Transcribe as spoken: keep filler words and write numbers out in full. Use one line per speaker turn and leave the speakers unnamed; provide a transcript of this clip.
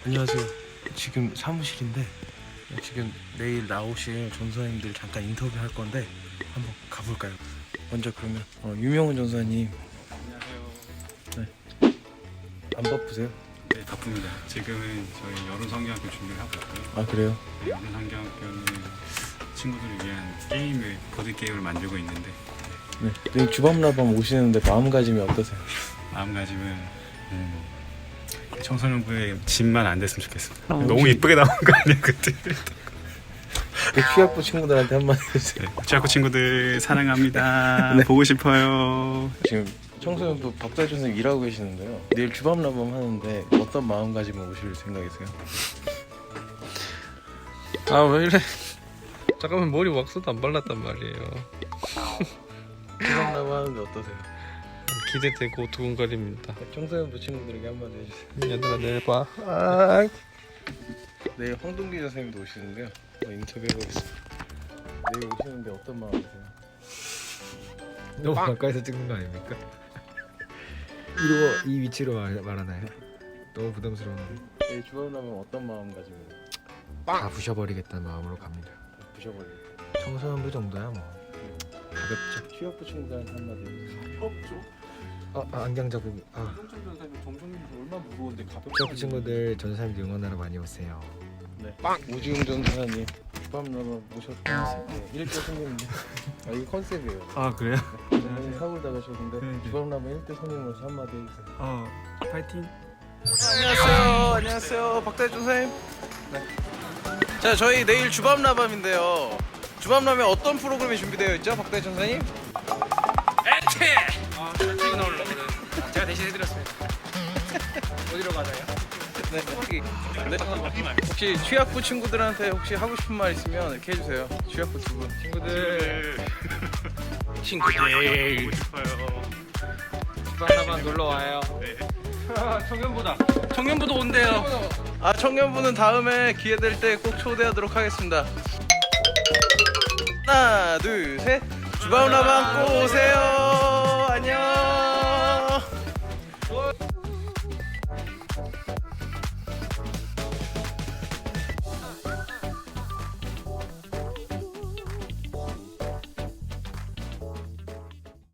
안녕하세요. 지금 사무실인데 지금 내일 나오실 전사님들 잠깐 인터뷰 할 건데 한번 가볼까요? 먼저 그러면 어, 유명훈 전사님.
안녕하세요.
네. 안 바쁘세요?
네, 바쁩니다. 지금은 저희 여론성경학교 준비를 하고 있고요.
아 그래요?
네, 여론성경학교는 친구들을 위한 게임을 보드 게임을 만들고 있는데
네. 내일 주밤라밤 오시는데 마음가짐이 어떠세요?
마음가짐은 음, 청소년부의 집만 안 됐으면 좋겠습니다.
어,
너무
혹시-
이쁘게 나온 거 아니야 그때?
그 취학부 친구들한테 한마디 해주세요.
네, 취학교 친구들 사랑합니다.
네.
보고 싶어요.
지금 청소년부 박다혜 선생님 일하고 계시는데요. 내일 주밤라밤 하는데 어떤 마음가짐으로 오실 생각이세요?
아 왜 이래? 잠깐만 머리 왁스도 안 발랐단 말이에요.
주밤라밤 하는데 어떠세요?
기대되고 두근거립니다.
청소년부 친구들에게 한마디 해주세요.
얘들아 내일 봐. 아,
내일 황동기 선생님도 오시는데요. 어, 인터뷰 해보겠습니다. 내일 오시는데 어떤 마음이세요?
너무 가까이서 찍는 거 아닙니까? 이로 이 위치로 말, 말하나요? 너무 부담스러운데
내일 주밤라밤 어떤 마음가짐으로
다 부셔버리겠다는 마음으로 갑니다.
부셔버릴까요?
청소년부 정도야 뭐 가볍죠.
취업부 친구들한테 한마디 해주세요.
가볍죠?
아, 아 안경 자국이 아
정철 전사님 정성님도 얼마나 무거운데 가볍죠?
취업 친구들 전사님들 응원하러 많이 오세요.
네. 오지웅 전사님 주밤라밤 모셨다. 네, 일대 손님인데 아 이게 컨셉이에요.
아 그래요?
전사님 사고를 당하셨는데
네, 네.
주밤라밤 일대 손님으로서 한마디 해주세요.
어 파이팅.
안녕하세요. 안녕하세요. 박다혜 선생님. 네. 자, 저희 내일 주밤라밤인데요. 주밤라밤에 어떤 프로그램이 준비되어 있죠, 박다혜 선생님?
아 출퇴근 하려고 그래. 제가 대신 해드렸습니다. 어디로 가나요?
네. 혹시, 네. 혹시 취학부 친구들한테 혹시 하고 싶은 말 있으면 이렇게 해주세요. 취학부 두 분.
친구들
친구들.
보고 싶어요.
주방나만 놀러 와요. 청년부다. 청년부도 온대요.
아, 청년부는 다음에 기회 될 때 꼭 초대하도록 하겠습니다. 하나, 둘, 셋. 주밤라밤 꼭 오세요.